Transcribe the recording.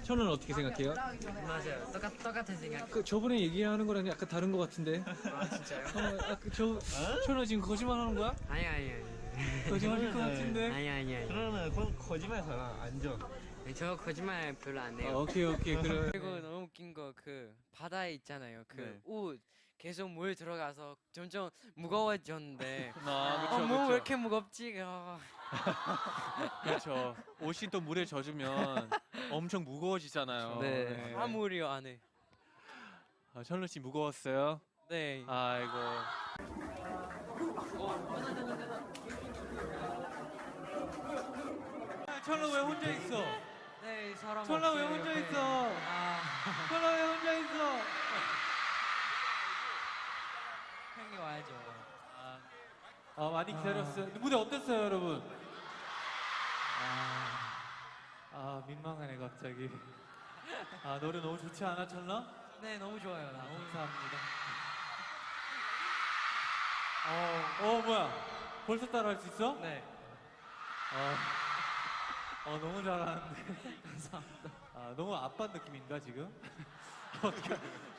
천은 어떻게 생각해요? 맞아요. 똑같은 생각. 그 저번에 얘기하는 거랑 약간 다른 것 같은데. 아 진짜요? 천은 지금 거짓말하는 거야? 아니. 거짓말일 것 같은데. 아니. 그러면 그건 거짓말이잖아. 안전. 저 거짓말 별로 안 해요. 오케이 그럼. 그리고 너무 웃긴 거 그 바다에 있잖아요. 그 네. 옷 계속 물 들어가서 점점 무거워졌는데 그쵸, 몸 왜 그쵸. 이렇게 무겁지? 그렇죠. 옷이 또 물에 젖으면 엄청 무거워지잖아요. 네. 다 물이요 안에. 천루 씨 무거웠어요? 네. 아이고. 천루 왜 혼자 있어? 네 사람. 천루 왜 혼자 있어? 천루 왜 혼자 있어? 형이 와야죠. 많이 기다렸어요. 무대 어땠어요, 여러분? 민망하네 갑자기. 노래 너무 좋지 않아, 천루? 네 너무 좋아요. 너무 감사합니다. 뭐야? 벌써 따라할 수 있어? 네. 너무 잘하는데. 감사합니다. 너무 아빠 느낌인가 지금? 어떻게?